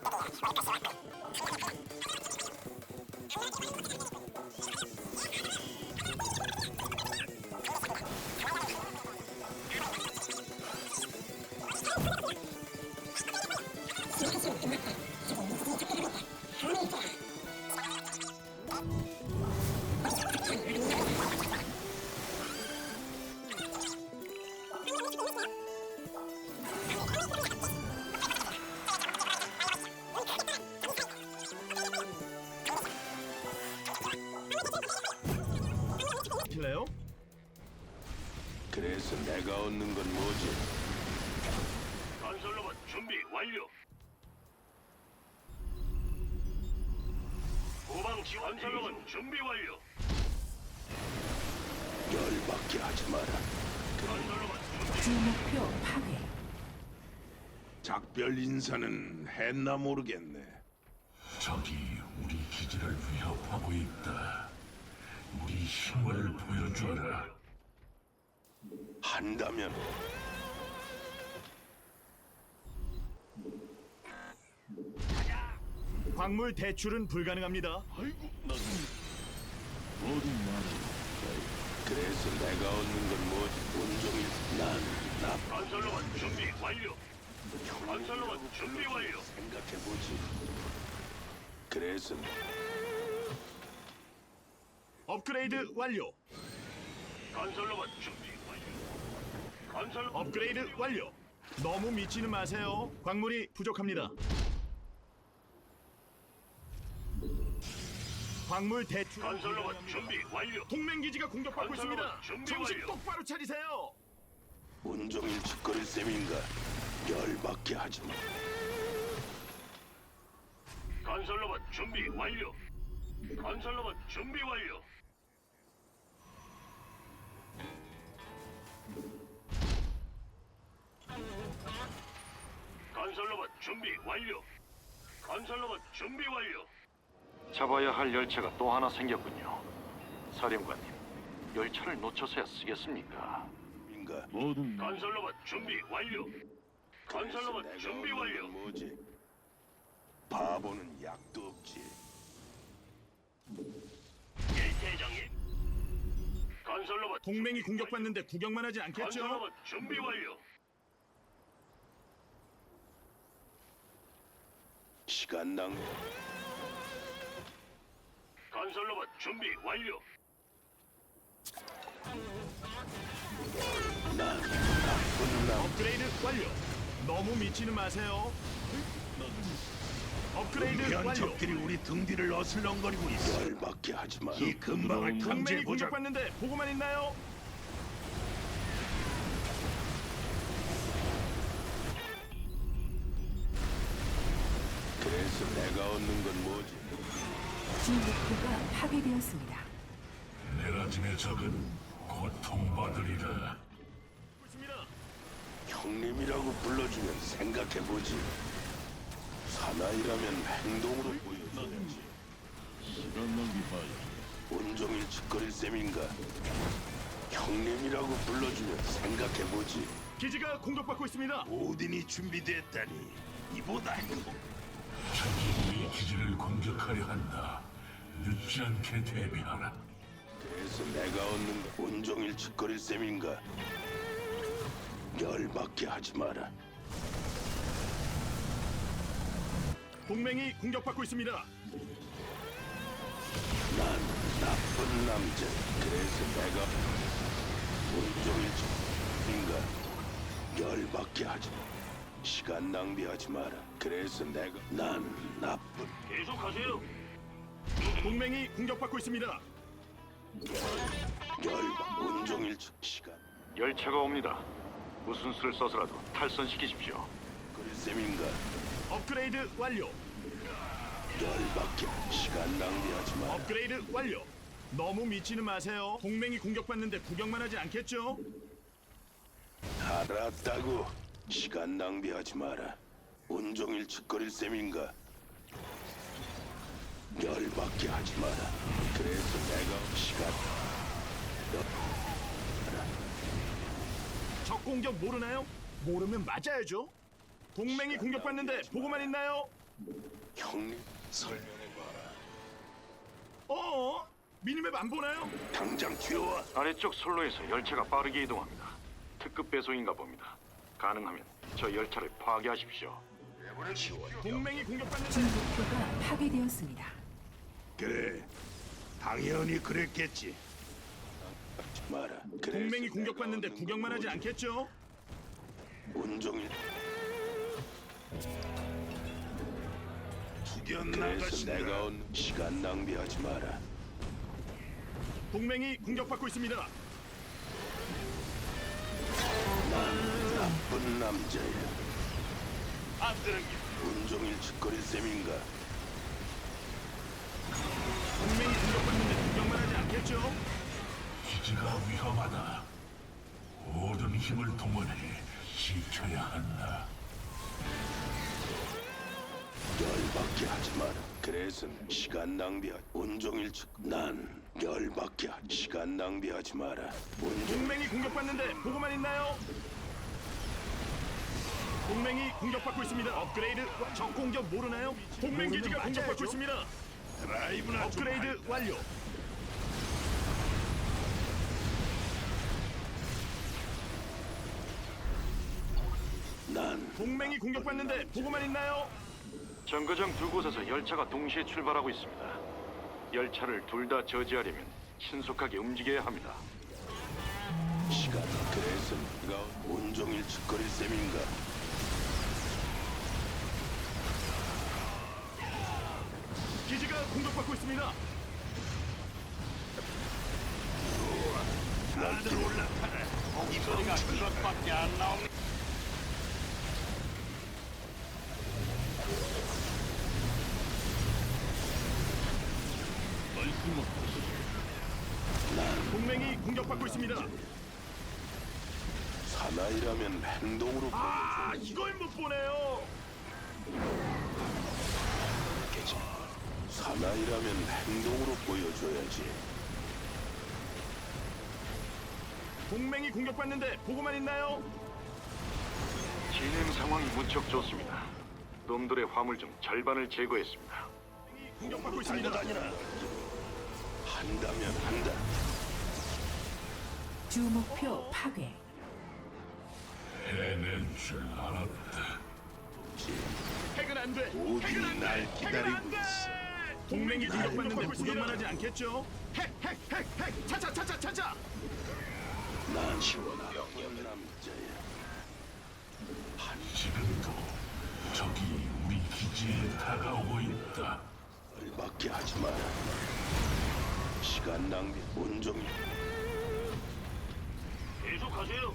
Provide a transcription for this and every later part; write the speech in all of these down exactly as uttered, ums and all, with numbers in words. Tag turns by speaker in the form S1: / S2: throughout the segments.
S1: 실래요?
S2: 그래서 내가 얻는 건 뭐지?
S3: 건설로봇 준비 완료. 후방 지원 건설로봇 준비 완료.
S2: 열받게 하지 마라.
S3: 건설로봇 준비.
S4: 주목표 파괴.
S2: 작별 인사는 했나 모르겠네.
S5: 적이 우리 기지를 위협하고 있다. 우리 힘을 보여줘라.
S2: 한다면
S1: 광물 대출은 불가능합니다.
S2: 그래서 내가 얻는 건 뭐지? 온종일 난나
S3: 건설로봇 준비 완료. 건설로봇 준비 완료.
S2: 생각해보지. 그래서
S1: 업그레이드 완료.
S3: 건설로봇 준비 완료. 건설
S1: 업그레이드 완료. 너무 미치는 마세요. 광물이 부족합니다. 광물 대출.
S3: 건설로봇 준비 완료.
S1: 동맹 기지가 공격받고 있습니다.
S3: 건설로봇 준비
S1: 정신
S3: 완료.
S1: 똑바로 차리세요.
S2: 온종일 짓거릴 셈인가? 열받게 하지 마.
S3: 건설로봇 준비 완료. 건설로봇 준비 완료. 건설로봇 준비 완료. 건설로봇 준비 완료.
S6: 잡아야 할 열차가 또 하나 생겼군요. 사령관님, 열차를 놓쳐서야 쓰겠습니까?
S2: 인가?
S3: 건설로봇 준비 완료. 건설로봇
S2: 내가
S3: 준비
S2: 얻는
S3: 완료.
S2: 건 뭐지? 바보는 약도 없지.
S3: 예, 대장님. 건설로봇
S1: 동맹이
S3: 준비
S1: 공격받는데 구경만 하지
S3: 완료.
S1: 않겠죠?
S3: 건설로봇 준비 완료.
S2: 시간 낭비.
S3: 건설로봇 준비 완료.
S2: 난 나쁜 남.
S1: 업그레이드 완료. 너무 미치는 마세요. 업그레이드
S7: 위대한
S1: 완료.
S7: 적들이 우리 등 뒤를 어슬렁거리고 있어.
S2: 열받게 하지 마.
S7: 이 근방을
S1: 동맹이
S7: 탐지해보자.
S1: 공격받는데 보고만 있나요?
S2: 그래서 내가 얻는 건 뭐지?
S4: 주목표가 파괴되었습니다.
S5: 내라짐의 적은 고통받으리라.
S1: 있습니다.
S2: 형님이라고 불러주면 생각해보지. 사나이라면 행동으로 보여줘야지. 온종일 짓거릴 셈인가? 형님이라고 불러주면 생각해보지.
S1: 기지가 공격받고 있습니다.
S7: 오딘이 준비됐다니 이보다 행복.
S5: 적이 우리 기지를 공격하려 한다. 늦지 않게 대비하라.
S2: 그래서 내가 얻는 건 온종일 짓거릴 셈인가? 열받게 하지 마라.
S1: 동맹이 공격받고 있습니다.
S2: 난 나쁜 남자. 그래서 내가 온종일 짓거린가? 열받게 하지 마. 시간 낭비하지 마라. 그래서 내가 난 나쁜
S3: 계속하세요.
S1: 동맹이 공격받고 있습니다.
S2: 열받 온종일 짓 시간
S6: 열차가 옵니다. 무슨 수를 써서라도 탈선시키십시오.
S2: 거릴 셈인가?
S1: 업그레이드 완료.
S2: 열받게 시간 낭비하지 마라.
S1: 업그레이드 완료. 너무 미치는 마세요. 동맹이 공격받는데 구경만 하지 않겠죠?
S2: 알았다고. 시간 낭비하지 마라. 온종일 짓거릴 셈인가? 열받게 하지 마라. 그래서 내가 시간
S1: 적 공격 모르나요? 모르면 맞아야죠. 동맹이 공격받는데 보고만 있나요?
S2: 형님 설명해봐라.
S1: 어? 미니맵 안 보나요?
S2: 당장 튀어와.
S6: 아래쪽 선로에서 열차가 빠르게 이동합니다. 특급 배송인가 봅니다. 가능하면 저 열차를 파괴하십시오.
S1: 동맹이 공격받는데
S4: 주 목표가 파괴되었습니다.
S7: 그래, 당연히 그랬겠지.
S2: 하지 마라. 그래서
S1: 동맹이
S2: 내가
S1: 공격받는데
S2: 얻는
S1: 구경만
S2: 건
S1: 하지
S2: 뭐지?
S1: 않겠죠?
S2: 온종일
S7: 투견
S2: 그래서
S7: 나가신다.
S2: 내가 얻는 시간 낭비하지 마라.
S1: 동맹이 공격받고 있습니다.
S2: 난 나쁜 남자야. 안 되는 게 온종일 짓거릴 셈인가?
S1: 동맹이 공격받는데 구경만 하지 않겠죠?
S5: 기지가 위험하다. 모든 힘을 동원해 지켜야 한다.
S2: 열받게 하지 마라. 그래서 시간 낭비하. 온종일 짓. 난 열받게 하. 시간 낭비하지 마라. 온종
S1: 동맹이 공격받는데 보고만 있나요? 동맹이 공격받고 있습니다. 업그레이드 적 공격 모르나요? 동맹 기지가 공격받고 있습니다.
S7: 드라이브나 좀
S1: 업그레이드
S7: 할까?
S1: 완료.
S2: 난
S1: 동맹이 공격받는데 보고만 있나요?
S6: 정거장 두 곳에서 열차가 동시에 출발하고 있습니다. 열차를 둘 다 저지하려면 신속하게 움직여야 합니다.
S2: 시간. 그래서 네가 온종일 짓거릴 셈인가?
S1: 기지가 공격받고 있습니다.
S7: 다들 올라타라. 이 소리가 그것밖에 안 나옵니다.
S1: 동맹이 공격받고 있습니다.
S2: 사나이라면 행동으로
S1: 아, 이걸 못 보네요.
S2: 보여줘야지. 사나이라면 행동으로 보여줘야지.
S1: 동맹이 공격받는데 보고만 있나요?
S6: 진행 상황이 무척 좋습니다. 놈들의 화물 중 절반을 제거했습니다.
S1: 공격받고 있습니다.
S2: 한다면 한다.
S4: 주 목표 파괴.
S5: 해낼 줄 알았다.
S1: 핵은 안 돼.
S7: 모두
S1: 핵은 안
S7: 날
S1: 돼.
S7: 기다리고
S1: 핵은 안 돼.
S7: 있어.
S1: 동맹이 공격받는데 구경만 하지 않겠죠? 핵, 핵, 핵, 핵. 차차, 차차, 차차.
S2: 난 시원하게 남자야.
S5: 지금도 적이 우리 기지에 다가오고 있다.
S2: 열받게 하지 마라. 시간 낭비. 온종일
S3: 계속하세요.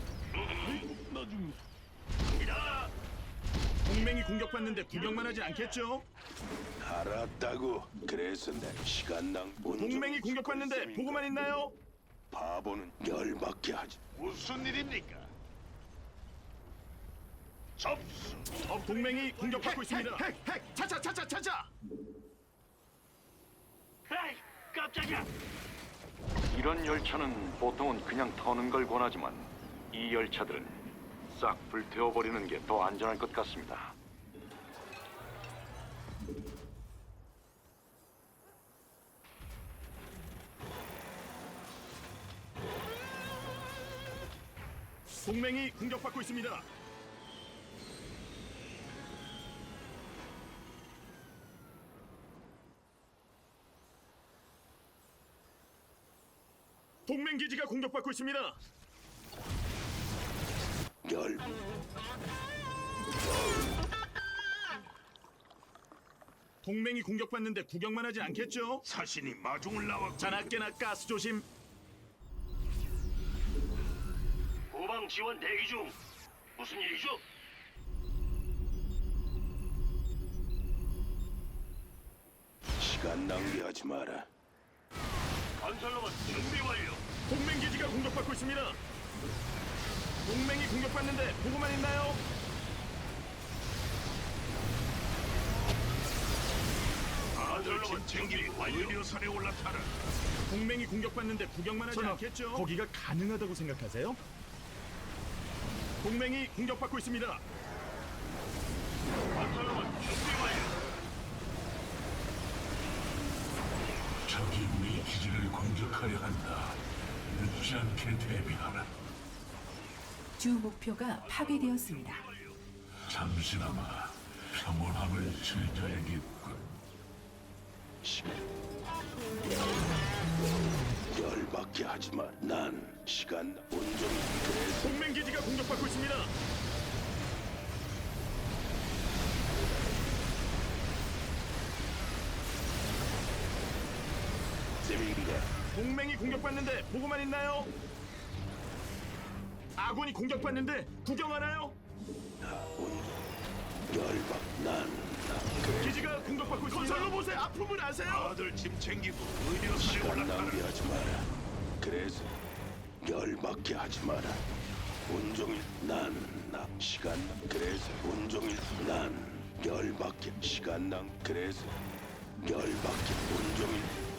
S1: 동맹이 공격받는데 구경만 하지 않겠죠?
S2: 알았다고. 그래서 내 시간 낭. 온종일
S1: 동맹이 공격받는데
S2: 짓거릴 셈인가?
S1: 보고만 있나요?
S2: 바보는 열받게 하지.
S7: 무슨 일입니까? 접수.
S1: 어, 동맹이 공격받고 있습니다. 핵, 핵, 핵. 차차, 차차, 차차.
S3: 에이, 깜짝이야.
S6: 이런 열차는 보통은 그냥 터는 걸 권하지만 이 열차들은 싹 불태워버리는 게 더 안전할 것 같습니다.
S1: 동맹이 공격받고 있습니다. 동맹 기지가 공격받고 있습니다.
S2: 열.
S1: 동맹이 공격받는데 구경만 하지 않겠죠?
S7: 사신이 마중을 나왔고.
S1: 자나깨나 가스 조심.
S3: 후방 지원 대기 중. 무슨 일이죠?
S2: 시간 낭비하지 마라.
S3: 건설로봇 준비 완료.
S1: 동맹 기지가 공격받고 있습니다. 동맹이 공격받는데 보고만 있나요?
S3: 건설로봇 준비 완료.
S7: 의료선에 올라타라.
S1: 동맹이 공격받는데 구경만 하지 않겠죠? 거기가 가능하다고 생각하세요? 동맹이 공격받고 있습니다.
S3: 건설로봇 준비 완료.
S5: 적이 우리 기지를 공격하려 한다. 늦지 않게 대비하라.
S4: 주 목표가 파괴되었습니다.
S5: 잠시나마 평온함을 즐겨야겠군.
S2: 열받게 하지 마. 난 시간 온종일 그래서
S1: 동맹 기지가 공격받고 있습니다.
S2: 셈인가?
S1: 동맹이 공격받는데 보고만 있나요? 아군이 공격받는데 구경하나요?
S2: 온 열받. 난 나.
S1: 기지가 공격받고 있습니다. 건설로 보세요. 아픔을 아세요?
S7: 다들 짐 챙기고 의료선에
S2: 시간
S7: 올라타라.
S2: 낭비하지 마라. 그래서 열받게 하지 마라. 온종일 난 나 시간 그래서 온종일 난 열받게 시간 낭 그래서 열받게 온종일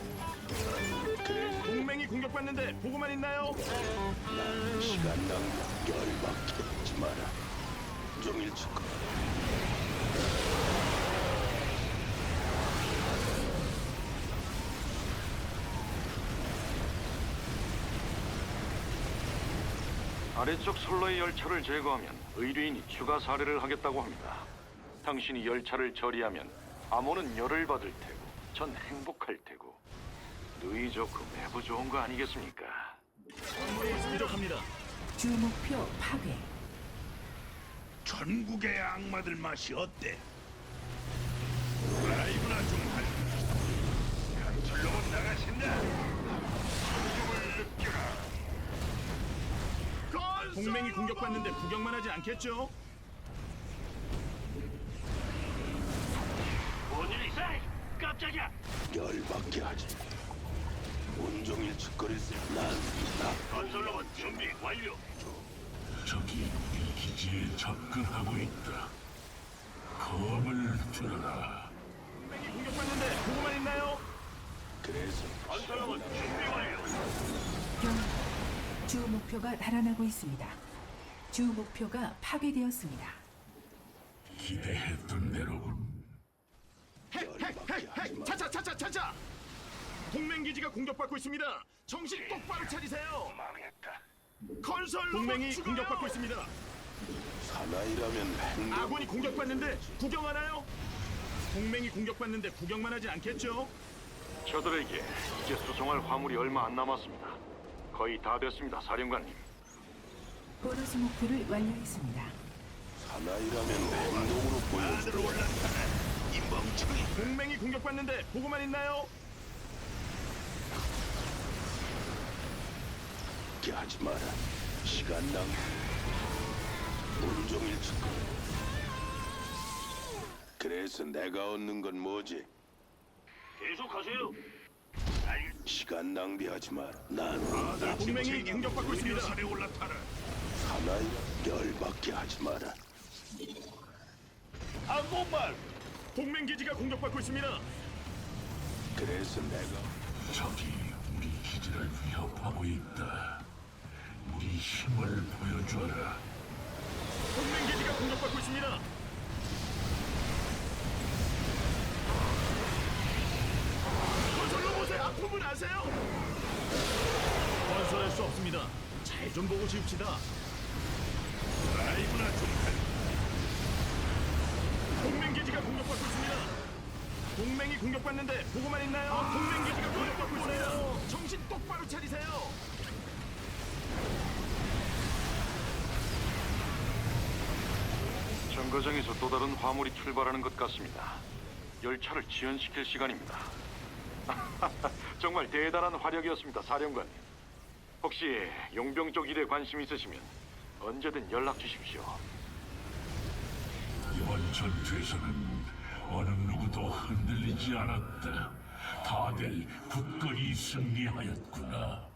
S2: 그래서
S1: 동맹이 공격받는데 보고만 있나요?
S2: 난 시간 낭비 열받게 하지 마라. 온종일 짓고
S6: 아래쪽 선로의 열차를 제거하면 의뢰인이 추가 사례를 하겠다고 합니다. 당신이 열차를 처리하면 암호는 열을 받을 테고 전 행복할 테고 누이 좋고 매부 좋은 거 아니겠습니까?
S1: 부족합니다.
S4: 주 목표 파괴.
S7: 전국의 악마들 맛이 어때? 라이브나 좀 할까? 건설로만 나가신다. 죽음을 느껴라.
S1: 동맹이 공격받는데 구경만 하지 않겠죠?
S3: 뭔일 있어? 깜짝이야.
S2: 열받게 하지 온종일 짓거릴 난나
S3: 건설로봇 준비 완료.
S5: 적이 우리 기지에 접근하고 있다. 검을 들어라.
S1: 동맹이 공격받는데 보고만 있나요?
S2: 그래서
S3: 건설로봇 준비 완료.
S4: 병. 주 목표가 달아나고 있습니다. 주 목표가 파괴되었습니다.
S5: 기대했던 대로군.
S1: 핵핵핵핵 차차 차차 차차. 동맹 기지가 공격받고 있습니다. 정신 똑바로 차리세요.
S7: 망했다.
S1: 건설 동맹이 공격받고 있습니다.
S2: 사나이라면 행동
S1: 아군이 공격받는데 구경하나요? 동맹이 공격받는데 구경만 하지 않겠죠?
S6: 저들에게 이제 수송할 화물이 얼마 안 남았습니다. 거의 다 됐습니다, 사령관님.
S4: 보너스 목표를 완료했습니다.
S2: 사나이라면 행동으로 보여줘.
S7: 다들 올라타라. 이 멍청이.
S1: 동맹이 공격받는데 보고만 있나요?
S2: 게 하지 마라. 시간 낭비. 온종일 짓고. 그래서 내가 얻는 건 뭐지?
S3: 계속하세요.
S2: 시간 낭비하지 마라. 난
S7: 다들 짐
S1: 동맹이
S7: 챙기고
S1: 공격받고 있습니다.
S7: 의료선에 올라타라.
S2: 사나이 열받게 하지 마라.
S7: 한국말.
S1: 동맹 기지가 공격받고 있습니다.
S2: 그래서 내가
S5: 적이 우리 기지를 위협하고 있다. 우리 힘을 보여줘라.
S1: 동맹 기지가 공격받고 있습니다. 건설로 보세요. 아픔을 아세요? 건설할 수 없습니다. 잘 좀 보고 지읍시다.
S7: 라이브나 좀 할까?
S1: 동맹 기지가 공격받고 있습니다. 동맹이 공격받는데 보고만 있나요? 동맹 기지가 공격받고 있어요. 정신 똑바로 차리세요.
S6: 정거장에서 또 다른 화물이 출발하는 것 같습니다. 열차를 지연시킬 시간입니다. 정말 대단한 화력이었습니다, 사령관님. 혹시 용병 쪽 일에 관심 있으시면 언제든 연락 주십시오.
S5: 이번 전투에서는 어느 누구도 흔들리지 않았다. 다들 굳건히 승리하였구나.